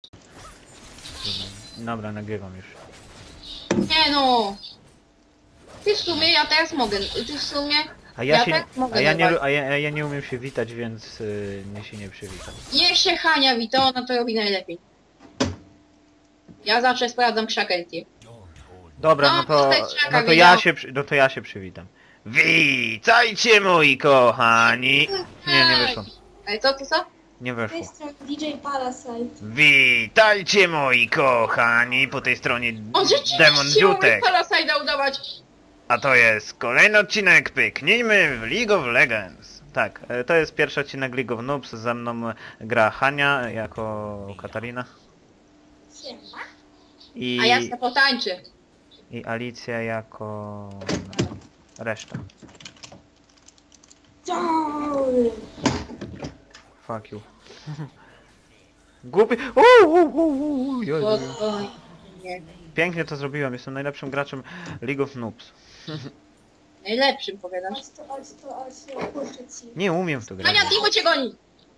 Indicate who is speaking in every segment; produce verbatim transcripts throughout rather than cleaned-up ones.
Speaker 1: Dobra, nagrywam już.
Speaker 2: Nie no! Ty w sumie, ja teraz mogę. Ty w sumie...
Speaker 1: A ja,
Speaker 2: Ja
Speaker 1: się,
Speaker 2: tak mogę
Speaker 1: a ja, nie,
Speaker 2: dawać.
Speaker 1: a ja, a ja nie umiem się witać, więc yy, nie się nie przywitam.
Speaker 2: Niech się Hania wita, ona to robi najlepiej. Ja zawsze sprawdzam krzakentie.
Speaker 1: Dobra,
Speaker 2: No,
Speaker 1: no to,
Speaker 2: postać Szaka
Speaker 1: no to ja
Speaker 2: wiedział.
Speaker 1: się, przy- no to ja się przywitam. Witajcie moi kochani! Nie, nie wyszło.
Speaker 2: Ale co, co, co?
Speaker 1: Nie
Speaker 3: Z tej
Speaker 1: weszło.
Speaker 3: strony D J Parasite.
Speaker 1: Witajcie moi kochani! Po tej stronie
Speaker 2: On
Speaker 1: Demon
Speaker 2: rzeczywiście mógł
Speaker 1: Dziutek.
Speaker 2: Parasite'a udawać.
Speaker 1: A to jest kolejny odcinek Pyknijmy w League of Legends. Tak, e, to jest pierwszy odcinek League of Noobs. Ze mną gra Hania jako Katarina.
Speaker 3: Siema.
Speaker 1: I,
Speaker 2: A ja se potańczę.
Speaker 1: i Alicja jako reszta.
Speaker 3: Down.
Speaker 1: Fuck you. Głupi. Uuu, uuu, uuu, joj, joj.
Speaker 2: Spokojnie.
Speaker 1: Pięknie to zrobiłem, jestem najlepszym graczem League of Noobs.
Speaker 2: Najlepszym powiadasz.
Speaker 3: Chodź to, chodź to, chodź to, puszczę ci.
Speaker 1: Nie umiem w to grać.
Speaker 2: Hania, Timo cię goni!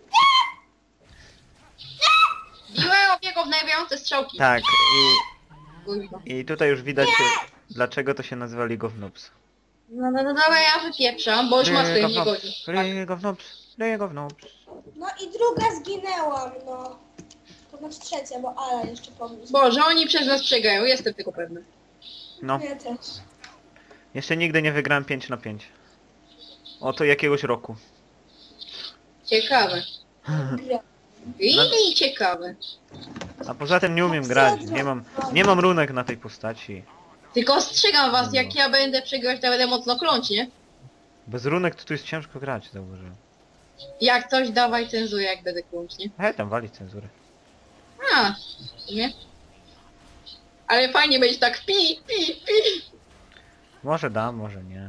Speaker 2: Biłem obiego w najwięcej strzałki.
Speaker 1: Tak, i,
Speaker 2: Kurwa.
Speaker 1: i tutaj już widać dlaczego to się nazywa League of Noobs.
Speaker 2: No, no, no, dobra, ja wypieprzam, bo już ma swoje nie godzi.
Speaker 1: League of Noobs, League of Noobs.
Speaker 3: No i druga zginęłam, no. To znaczy trzecia, bo Ala jeszcze pomógł.
Speaker 2: Boże, oni przez nas przegrają, jestem tego pewna.
Speaker 1: No,
Speaker 3: Ja też.
Speaker 1: jeszcze nigdy nie wygrałem pięć na pięć. Oto jakiegoś roku.
Speaker 2: Ciekawe.
Speaker 3: Gra.
Speaker 2: I ciekawe.
Speaker 1: A poza tym nie umiem grać, nie mam, nie mam runek na tej postaci.
Speaker 2: Tylko ostrzegam was, jak ja będę przegrywać, to będę mocno kląć, nie?
Speaker 1: Bez runek to tu jest ciężko grać, zauważyłem.
Speaker 2: Jak coś, dawaj cenzurę, jak będę kląć, nie?
Speaker 1: Hej, tam wali cenzurę.
Speaker 2: A, w sumie. Ale fajnie będzie tak pi, pi, pi.
Speaker 1: Może dam, może nie.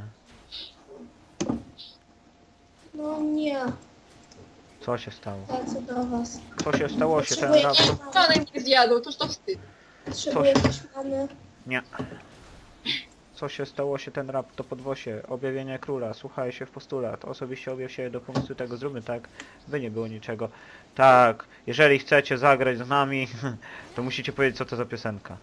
Speaker 3: No nie,
Speaker 1: Co się stało?
Speaker 3: lecę do was.
Speaker 1: Co się stało się ten
Speaker 3: Potrzebuję
Speaker 1: raport?
Speaker 3: coś-
Speaker 2: Żaden mnie zjadł, toż to wstyd.
Speaker 3: Potrzebuję coś mamy.
Speaker 1: Nie. Co się stało się ten rap? To podwosie. Objawienie króla. Słuchaj się w postulat. Osobiście objaw się do pomysłu tego. Zróbmy tak, by nie było niczego. Tak, jeżeli chcecie zagrać z nami, to musicie powiedzieć, co to za piosenka.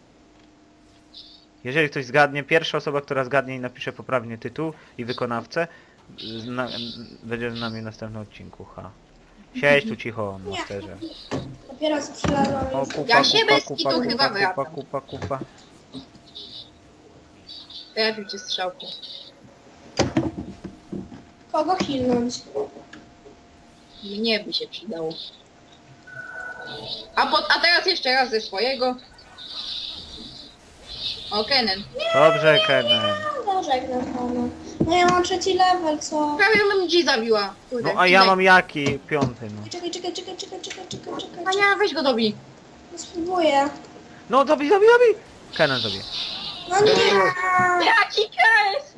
Speaker 1: Jeżeli ktoś zgadnie, pierwsza osoba, która zgadnie i napisze poprawnie tytuł i wykonawcę, zna, będzie z nami w następnym odcinku. Ha. Siedź tu cicho, masterze.
Speaker 3: Dopiero co przylazłam.
Speaker 1: O,
Speaker 3: jest-
Speaker 1: kupa,
Speaker 2: Ja się
Speaker 1: kupa,
Speaker 2: bez
Speaker 1: kupa,
Speaker 2: kitu
Speaker 1: kupa,
Speaker 2: chyba
Speaker 1: kupa,
Speaker 2: wracam.
Speaker 1: kupa, kupa.
Speaker 2: Trafił cię strzałką.
Speaker 3: Kogo hilnąć?
Speaker 2: Mnie by się przydało. A, pod, a teraz jeszcze raz ze swojego. O, Kenen.
Speaker 1: Dobrze, Kenen.
Speaker 3: No żegnam pana. No ja mam trzeci level, co?
Speaker 2: Prawie bym ci zabiła. Kurde,
Speaker 1: No a ja
Speaker 2: Cinek.
Speaker 1: mam jaki? Piąty, no.
Speaker 3: Czekaj, czekaj, czekaj, czekaj, czekaj, czekaj, czekaj.
Speaker 2: Ania, weź go dobij.
Speaker 3: No spróbuję.
Speaker 1: No dobij, dobij, dobij! Kenen dobij.
Speaker 3: No nie!
Speaker 2: Jaki kres!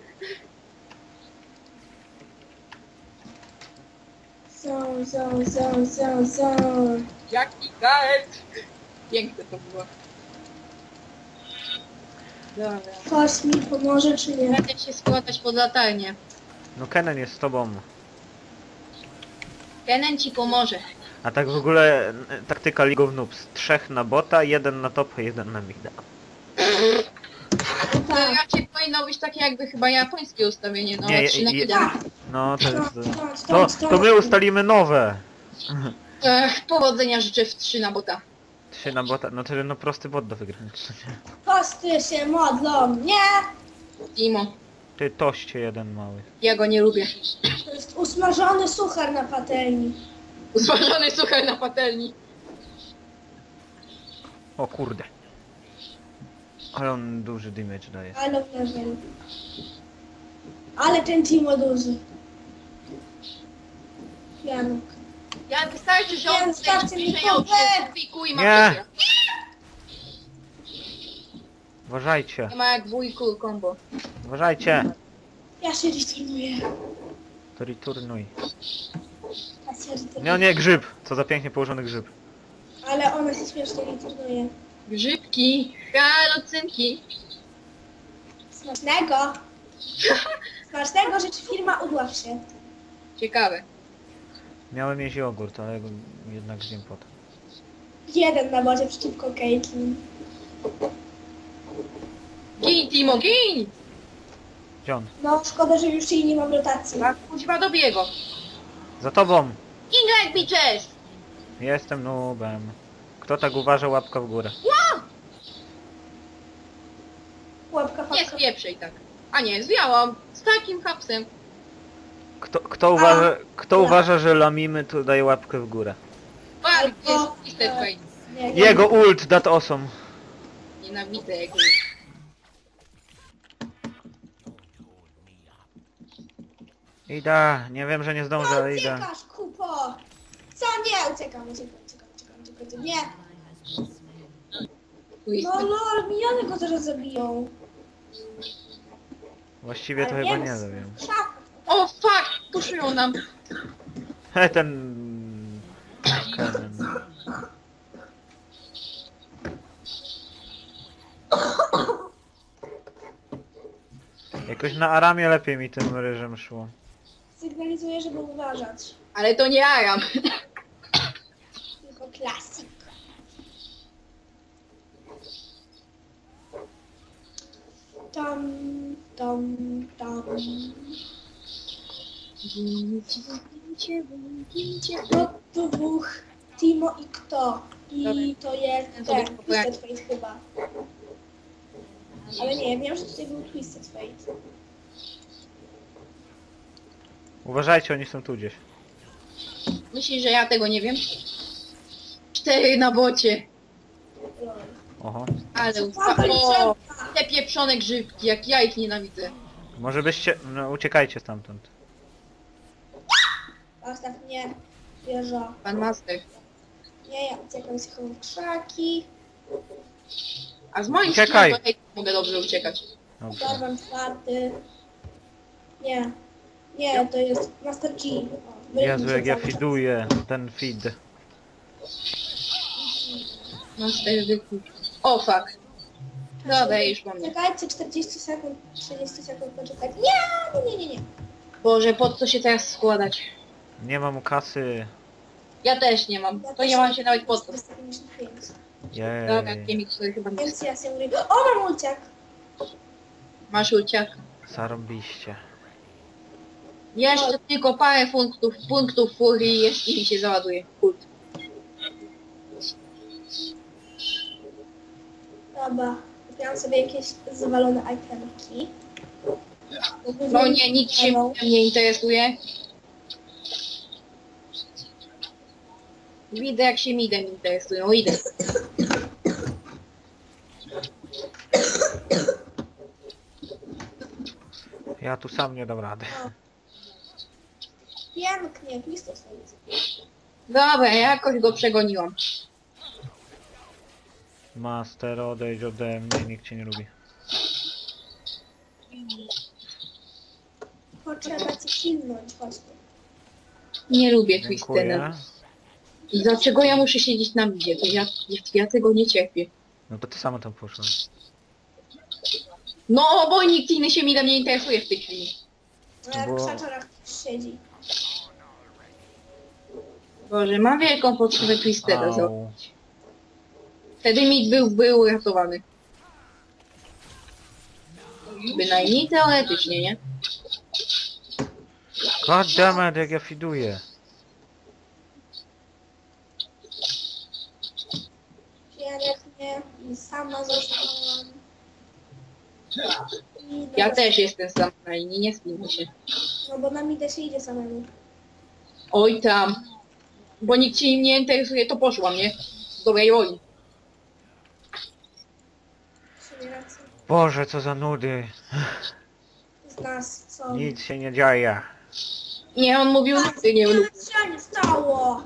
Speaker 3: Zon, zon, zon, zon, zon.
Speaker 2: Jaki kres! Piękne to było. Dobra.
Speaker 3: Ktoś mi pomoże, czy nie?
Speaker 2: Będę się składać pod latarnię.
Speaker 1: No Kenen jest z tobą.
Speaker 2: Kenen ci pomoże.
Speaker 1: A tak w ogóle e, taktyka League of Noobs. Trzech na bota, jeden na topa, jeden na mida.
Speaker 2: To
Speaker 3: Tak.
Speaker 2: raczej powinno być takie jakby chyba japońskie ustawienie, no
Speaker 1: Nie,
Speaker 2: ale trzy na
Speaker 1: je-
Speaker 2: jeden.
Speaker 1: No to jest...
Speaker 3: Stąd, stąd,
Speaker 1: To,
Speaker 3: stąd,
Speaker 1: to my ustalimy nowe!
Speaker 2: Ech, powodzenia życzę w trzy na bota.
Speaker 1: Trzy na bota, no to no prosty bot do wygrania.
Speaker 3: Posty się modlą, nie?
Speaker 2: Timo,
Speaker 1: Ty toście jeden mały.
Speaker 2: ja go nie lubię.
Speaker 3: To jest usmażony suchar na patelni.
Speaker 2: Usmażony suchar na patelni.
Speaker 1: O kurde. Ale on duży damage daje.
Speaker 3: Ale level. Ale ten Timo duży. Janek.
Speaker 2: Ja wystarczy, że
Speaker 3: Nie,
Speaker 2: on
Speaker 3: zostawcie mi
Speaker 2: przejął
Speaker 3: kubek.
Speaker 2: przez wujku i ma
Speaker 1: Nie.
Speaker 2: przecież.
Speaker 1: Uważajcie,
Speaker 2: Nie ma jak wujku combo.
Speaker 1: uważajcie.
Speaker 3: Ja się returnuję.
Speaker 1: To returnuj.
Speaker 3: Ja się returnuję.
Speaker 1: No nie, grzyb. Co za pięknie położony grzyb.
Speaker 3: Ale ona się śmiesznie returnuje.
Speaker 2: Grzybki, halucynki.
Speaker 3: Smacznego. Smacznego, rzecz firma udław się.
Speaker 2: Ciekawe.
Speaker 1: Miałem jeść jogurt, ale go jednak zjem potem.
Speaker 3: Jeden na bocie przeciwko Caitlyn.
Speaker 2: Gin, Timo, gin!
Speaker 1: Gdzie on?
Speaker 3: No, szkoda, że już jej nie mam rotacji.
Speaker 2: A kuźwa dobiję go.
Speaker 1: Za tobą!
Speaker 2: Ingrid bitches!
Speaker 1: Jestem noobem. Kto tak uważa, łapka w górę.
Speaker 3: Łapka
Speaker 2: Nie
Speaker 3: fakka.
Speaker 2: spieprzej tak. A nie, zwiałam. Z takim hapsem.
Speaker 1: Kto, kto, uważa, kto uważa, że lamimy, to daje łapkę w górę.
Speaker 2: Bardzo
Speaker 3: Albo-
Speaker 2: jest Twisted Fate.
Speaker 3: Nie, nie.
Speaker 1: Jego ult, that awesome.
Speaker 2: Nienawidzę jego.
Speaker 1: Idę, nie wiem, że nie zdążę, ale idę.
Speaker 3: Uciekasz, kupo! Co nie? Uciekam, uciekam, uciekam, uciekam, uciekam. Nie! No lol, miniony go zaraz zabiją.
Speaker 1: Właściwie to
Speaker 3: Ale
Speaker 1: chyba
Speaker 3: wiem,
Speaker 1: nie wiem.
Speaker 3: szaf.
Speaker 2: O fuck! Puszują nam.
Speaker 1: He, ten... Kennen. Jakoś na Aramie lepiej mi tym ryżem szło.
Speaker 3: Sygnalizuję, żeby uważać.
Speaker 2: Ale to nie Aram.
Speaker 3: Tylko klasik. Tam, tam, tam. No to dwóch. Timo i kto? I
Speaker 2: Dobra.
Speaker 3: to jest
Speaker 2: Ja sobie
Speaker 3: ten,
Speaker 2: kupuję.
Speaker 3: Twisted Fate chyba. Ale nie, wiem, że tutaj był Twisted Fate.
Speaker 1: Uważajcie, oni są tu gdzieś.
Speaker 2: Myślisz, że ja tego nie wiem? Cztery na bocie.
Speaker 3: Lol.
Speaker 1: Oho.
Speaker 2: Ale
Speaker 3: Dawaj,
Speaker 2: o,
Speaker 3: drzewka!
Speaker 2: te pieprzone grzybki, jak ja ich nienawidzę.
Speaker 1: Może byście... No, uciekajcie stamtąd.
Speaker 3: Zostaw mnie. Wieża.
Speaker 2: Pan Master.
Speaker 3: Nie, ja uciekam z chowam w krzaki.
Speaker 2: A z moim
Speaker 1: Uciekaj.
Speaker 2: skillem to hej, mogę dobrze uciekać.
Speaker 1: Dobrze.
Speaker 3: Darwam czwarty. Nie. Nie, to jest Master G. O,
Speaker 1: Jezu, jak ja
Speaker 3: cały czas.
Speaker 1: fiduję ten feed.
Speaker 2: Master wykup. O fuck. Dobra, już po mnie.
Speaker 3: Czekajcie czterdzieści sekund, trzydzieści sekund poczekać. Nie, nie, nie, nie, nie.
Speaker 2: Boże, po co się teraz składać?
Speaker 1: Nie mam kasy.
Speaker 2: Ja też nie mam.
Speaker 3: Ja
Speaker 2: To
Speaker 3: też
Speaker 2: nie mam się nawet po co.
Speaker 3: czterysta pięćdziesiąt pięć.
Speaker 2: Dobra,
Speaker 1: Jej.
Speaker 2: Kiemik sobie chyba nie
Speaker 3: Więc ja się mówię, o mam ulciak.
Speaker 2: Masz ulciak.
Speaker 1: Zarąbiście.
Speaker 2: Jeszcze tylko parę punktów, punktów furii jest i mi się załaduje. Kult.
Speaker 3: Dobra, kupiłam sobie jakieś zawalone itemki.
Speaker 2: No nie, nikt się nie interesuje. Widzę jak się midem interesują, idę.
Speaker 1: Ja tu sam nie dam rady.
Speaker 3: Pięknie, blisko sobie.
Speaker 2: Dobra, jakoś go przegoniłam.
Speaker 1: Master, odejdź ode mnie, nikt cię nie lubi.
Speaker 3: Potrzeba cię silnąć, chodź tu.
Speaker 2: Nie lubię Twistena.
Speaker 1: Dziękuję.
Speaker 2: I dlaczego ja muszę siedzieć na midzie? To ja, ja tego nie cierpię.
Speaker 1: No to ty sama tam poszła.
Speaker 2: No, bo nikt inny się midem nie interesuje w tej chwili.
Speaker 3: No jak
Speaker 1: Bo-
Speaker 3: w krzaczorach siedzi.
Speaker 2: Boże, mam wielką potrzebę Twistera. zo-
Speaker 1: Au.
Speaker 2: Wtedy mid był, był uratowany. Bynajmniej teoretycznie, nie?
Speaker 1: God damn it, jak ja fiduję.
Speaker 3: Pięknie i sama zostałam. I
Speaker 2: Ja
Speaker 3: teraz-
Speaker 2: też jestem sam na linii, nie spijmy się.
Speaker 3: No bo na midę się idzie samemu.
Speaker 2: Oj tam. Bo nikt się im nie interesuje, to poszłam, nie? Z dobrej woli.
Speaker 3: W sumie racja.
Speaker 1: Boże, co za nudy.
Speaker 3: Z nas co?
Speaker 1: Nic się nie dzieje.
Speaker 2: Nie, on mówił, ty nie lubię.
Speaker 3: Co się nie stało?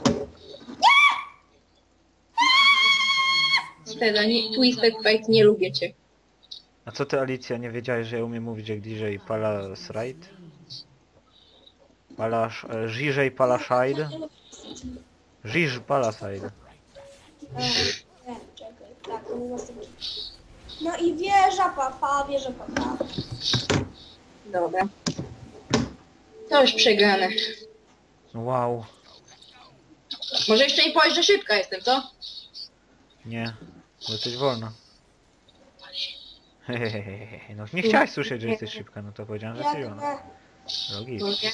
Speaker 2: Wtedy nie, Twisted Fate, nie lubię cię.
Speaker 1: A co ty, Alicja, nie wiedziałeś, że ja umiem mówić jak D J Palasride? Palasz... e, Żiżej Palaside? Żiż Palaside.
Speaker 3: E, nie, czekaj. Tak, to był następny. No i wieża papa, wieża papa.
Speaker 2: Dobra. To już przegrane.
Speaker 1: Wow.
Speaker 2: Może jeszcze nie powiesz, że szybka jestem, co?
Speaker 1: Nie, bo jesteś wolna. Hehehehe, no nie chciałaś słyszeć, że jesteś szybka, no to powiedziałem, że jesteś wolna.
Speaker 3: Jak
Speaker 1: Logicznie.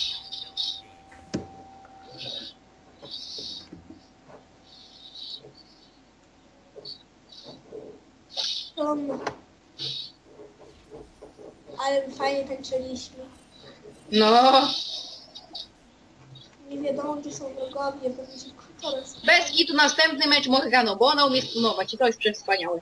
Speaker 3: um, ale fajnie tańczyliśmy.
Speaker 2: No,
Speaker 3: Nie wiadomo, gdzie są wrogowie, bo będzie kontrolę.
Speaker 2: bez kitu następny mecz Morgano, bo ona umie stunować i to jest przewspaniałe.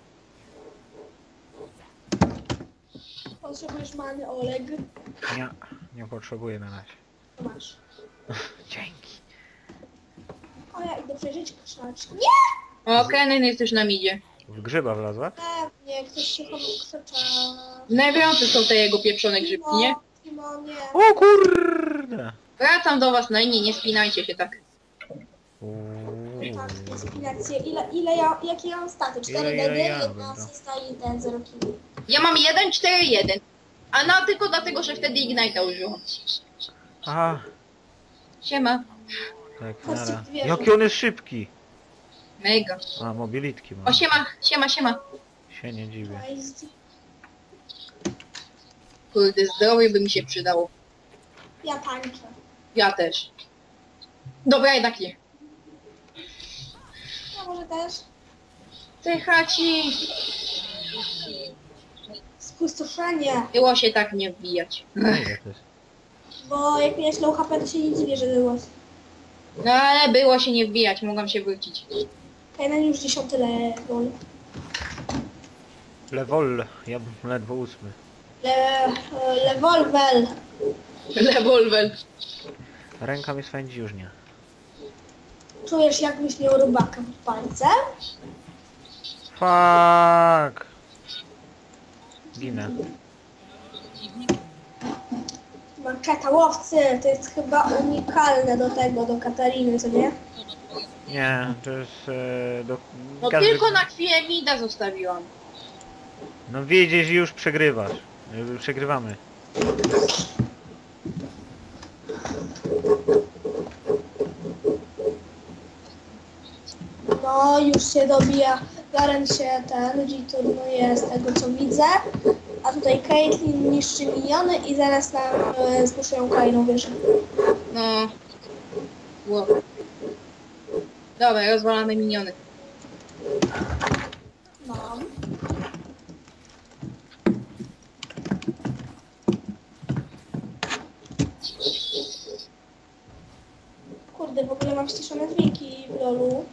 Speaker 3: Potrzebujesz many, Oleg?
Speaker 1: Nie, nie potrzebuję na razie.
Speaker 3: To masz.
Speaker 1: Dzięki.
Speaker 3: O, ja idę przejrzeć krzaczki. Nie!
Speaker 2: O, Kennen jest już na midzie.
Speaker 1: W grzyba wlazła?
Speaker 3: Pewnie, ktoś się komu krzycza.
Speaker 2: Najwiące są te jego pieprzone grzybki, nie?
Speaker 3: Timo, nie.
Speaker 1: O kurde!
Speaker 2: Wracam do was na inni, nie spinajcie się tak.
Speaker 1: Uuu.
Speaker 3: Tak, inspiracje. Ile, ile ja, jakie ja mam staty? cztery
Speaker 1: Ile, ile
Speaker 3: D D,
Speaker 1: ja
Speaker 3: jedna
Speaker 1: będę?
Speaker 3: asysta i ten zero kili.
Speaker 2: Ja mam jeden cztery jeden. A na tylko dlatego, że wtedy Ignite'a użyłam.
Speaker 1: Aha,
Speaker 2: Siema.
Speaker 1: tak,
Speaker 3: Chodźcie,
Speaker 1: nara.
Speaker 3: wierzę.
Speaker 1: Jaki on jest szybki!
Speaker 2: Mega.
Speaker 1: A, mobilitki ma.
Speaker 2: O, siema, siema, siema.
Speaker 1: Się nie dziwię.
Speaker 3: Cześć.
Speaker 2: Kurde, zdrowie by mi się przydało.
Speaker 3: Ja tańczę.
Speaker 2: Ja też. Dobra, jednak nie.
Speaker 3: Ja może też.
Speaker 2: Ty chaci.
Speaker 3: Spustoszenie.
Speaker 2: Było się tak nie wbijać.
Speaker 1: No, ile to jest?
Speaker 3: Bo jak miałeś low H P, to się nie dziwię, że było.
Speaker 2: No ale było się nie wbijać, mogłam się wrócić.
Speaker 3: Kajnan już dziesiąty level.
Speaker 1: Lewol, ja bym ledwo ósmy.
Speaker 3: Le, Levolvel.
Speaker 2: Rewolwer.
Speaker 1: Ręka mi swędzi już nie.
Speaker 3: Czujesz, jakbyś miał rybaka pod palcem?
Speaker 1: Fuck! Ginę.
Speaker 3: Marketa łowcy, to jest chyba unikalne do tego, do Katariny, co nie?
Speaker 1: Nie, to jest e, do...
Speaker 2: No
Speaker 1: każdy-
Speaker 2: tylko na chwilę Mida zostawiłam.
Speaker 1: No widzisz, już przegrywasz. E, Przegrywamy.
Speaker 3: No, już się dobija. Garen się ten, G-turnuje z tego co widzę. A tutaj Caitlyn niszczy miniony i zaraz nam e, spuszują kolejną wieżę.
Speaker 2: No. Wow. Dobra, rozwalamy miniony.
Speaker 3: Mam. Kurde, w ogóle mam ściszone dźwięki w lolu.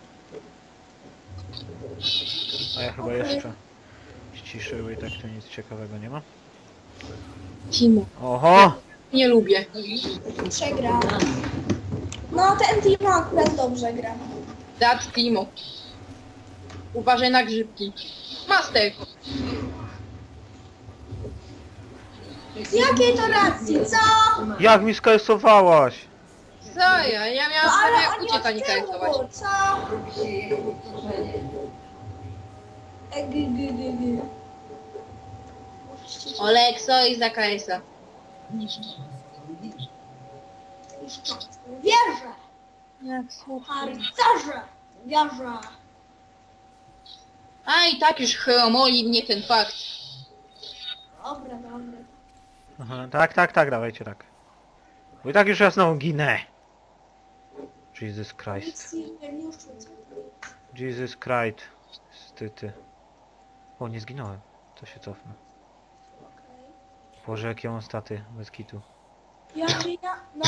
Speaker 1: A ja chyba
Speaker 3: Okej.
Speaker 1: jeszcze ściszyły i tak to nic ciekawego nie ma.
Speaker 2: Timo.
Speaker 1: Oho!
Speaker 2: Nie lubię.
Speaker 3: Przegra. No, ten Timo akurat dobrze gra.
Speaker 2: Dat Timo. Uważaj na grzybki. Master.
Speaker 3: Z jakiej to racji, co?
Speaker 1: Jak mi skajsowałaś?
Speaker 2: Co ja? Ja
Speaker 3: No
Speaker 2: miałam
Speaker 3: ale
Speaker 2: prawie
Speaker 3: oni
Speaker 2: ucieka nie
Speaker 3: od tyłu,
Speaker 2: karytować.
Speaker 3: co? E, g, g, g, g.
Speaker 2: Olekso i za K S-a.
Speaker 3: Wierzę!
Speaker 2: Jak słuchaj.
Speaker 3: Harcerze! Wierzę!
Speaker 2: A i tak już chromoli mnie ten fakt.
Speaker 3: Dobra, dobra.
Speaker 1: Aha, tak, tak, tak, dawajcie tak. Bo i tak już ja znowu ginę. Jesus Christ.
Speaker 3: Nic nie, nie rzucę.
Speaker 1: Jesus Christ. Styty. O, nie zginąłem. To się cofnę.
Speaker 3: Okej.
Speaker 1: Boże, jakie mam staty bez kitu.
Speaker 3: Ja, ja, no.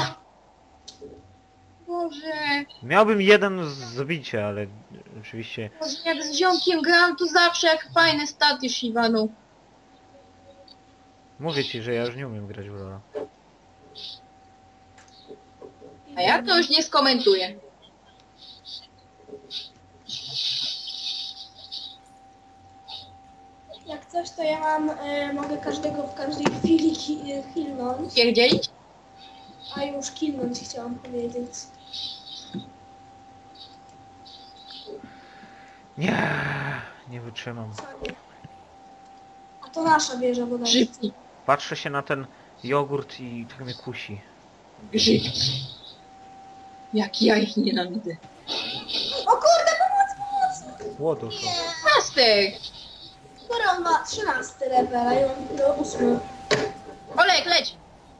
Speaker 2: Boże.
Speaker 1: Miałbym jeden z zabicia, ale oczywiście...
Speaker 2: Boże, jak z ziomkiem gram, to zawsze jak fajne staty Shivanu.
Speaker 1: Mówię ci, że ja już nie umiem grać w Lola.
Speaker 2: A ja to już nie skomentuję.
Speaker 3: Jak coś, to ja mam, e, mogę każdego w każdej chwili ki, e, killnąć.
Speaker 2: Pierdzielić?
Speaker 3: A już killnąć chciałam powiedzieć.
Speaker 1: Nie, nie wytrzymam.
Speaker 3: Sorry. A to nasza wieża bodajże.
Speaker 2: Grzybki.
Speaker 1: Patrzę się na ten jogurt i tak mnie kusi.
Speaker 2: Grzybki. Jak ja ich nienawidzę.
Speaker 3: O kurde, pomoc, pomoc!
Speaker 1: Łodusu.
Speaker 2: Master!
Speaker 3: Skoro on ma trzynasty level, a ja mam do ósmy.
Speaker 2: Olek, leć!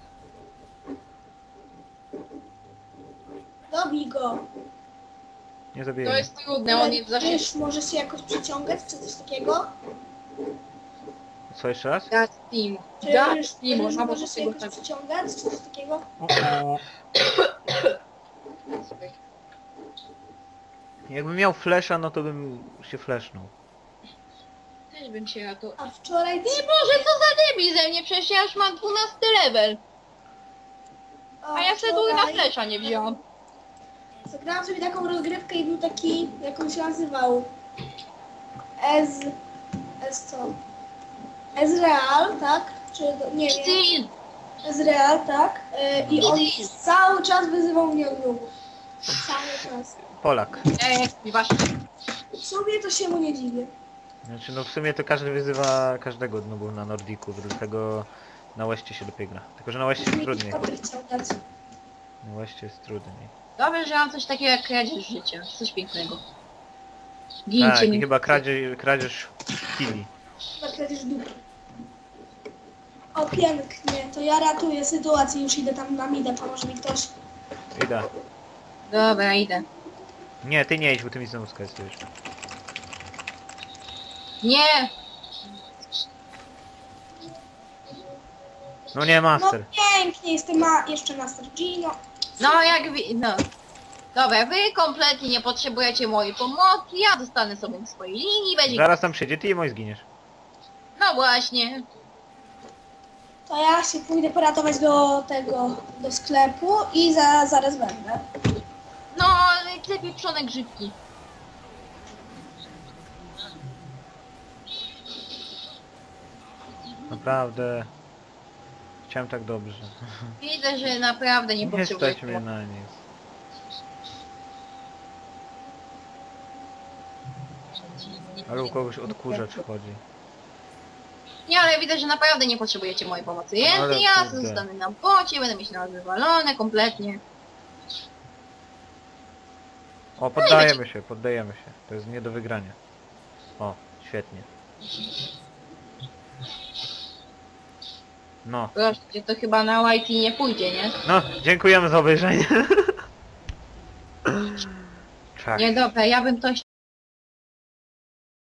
Speaker 3: Dobij go.
Speaker 1: Nie
Speaker 2: To
Speaker 1: zabiję.
Speaker 2: jest trudne, on jest za szybki.
Speaker 3: Wiesz, może się jakoś przyciągać, czy coś takiego?
Speaker 1: Co jeszcze raz?
Speaker 2: That team.
Speaker 3: Czy
Speaker 2: That
Speaker 3: wiesz,
Speaker 2: team,
Speaker 3: wiesz,
Speaker 2: można
Speaker 3: może
Speaker 2: było
Speaker 3: się
Speaker 2: tego
Speaker 3: jakoś
Speaker 2: tak.
Speaker 3: przyciągać, czy coś takiego?
Speaker 1: O, o. Jakbym miał flesza, no to bym się flashnął.
Speaker 2: Też bym się na to...
Speaker 3: A wczoraj...
Speaker 2: Nie Boże, co za debil ze mnie, przecież ja już mam dwunasty level. A ja sobie na
Speaker 3: wczoraj
Speaker 2: flesza nie wziąłam.
Speaker 3: Zagrałam sobie taką rozgrywkę i był taki, jak on się nazywał? Ez... Ez co? Ezreal, tak? Czy... Nie wiem.
Speaker 2: Steel!
Speaker 3: Ezreal, tak? Yy, I on cały czas wyzywał mnie od nubów. Cały czas.
Speaker 1: Polak.
Speaker 2: Eee, właśnie.
Speaker 3: W sumie to się mu nie dziwię.
Speaker 1: Znaczy no w sumie to każdy wyzywa każdego dnubu na Nordiku, dlatego na Łeście się lepiej gra. Tylko że na Łeście jest
Speaker 3: Mi
Speaker 1: trudniej.
Speaker 3: Patryk chciał dać.
Speaker 1: Na Łeście jest trudniej.
Speaker 2: Dobrze, że mam coś takiego jak kradzież życia. Coś pięknego. Gincie
Speaker 1: Tak, i
Speaker 2: mi.
Speaker 1: chyba kradzież, kradzież kili.
Speaker 3: Chyba kradzież dupy. O, pięknie. To ja ratuję sytuację. Już idę tam na midę. Pomoże mi ktoś.
Speaker 1: Idę.
Speaker 2: Dobra, idę.
Speaker 1: Nie, ty nie idź, bo ty mi znowu skasujesz.
Speaker 2: Nie!
Speaker 1: No nie,
Speaker 3: No
Speaker 1: master.
Speaker 3: pięknie. Jestem ma... jeszcze Master Gino.
Speaker 2: No jak wi... no. Dobra, wy kompletnie nie potrzebujecie mojej pomocy, ja zostanę sobie w swojej linii, będzie...
Speaker 1: Zaraz tam przyjdzie, ty i mój zginiesz.
Speaker 2: No właśnie.
Speaker 3: To ja się pójdę poratować do tego, do sklepu i za, zaraz będę.
Speaker 2: No, te pieprzone grzybki.
Speaker 1: Naprawdę. Chciałem tak dobrze.
Speaker 2: Widzę, że naprawdę nie
Speaker 1: Nie
Speaker 2: potrzebujecie
Speaker 1: stać mnie
Speaker 2: pomocy.
Speaker 1: na nic. Ale u kogoś odkurzacz chodzi.
Speaker 2: Nie, ale widzę, że naprawdę nie potrzebujecie mojej pomocy. Więc
Speaker 1: Ale
Speaker 2: ja
Speaker 1: kurde.
Speaker 2: zostanę na bocie, będę mieć na wywalone kompletnie.
Speaker 1: O, poddajemy się, poddajemy się. To jest nie do wygrania. O, świetnie. No,
Speaker 2: Proszę cię, to chyba na Whitey nie pójdzie, nie?
Speaker 1: no, dziękujemy za obejrzenie. Czak.
Speaker 2: Nie, dobra, ja bym to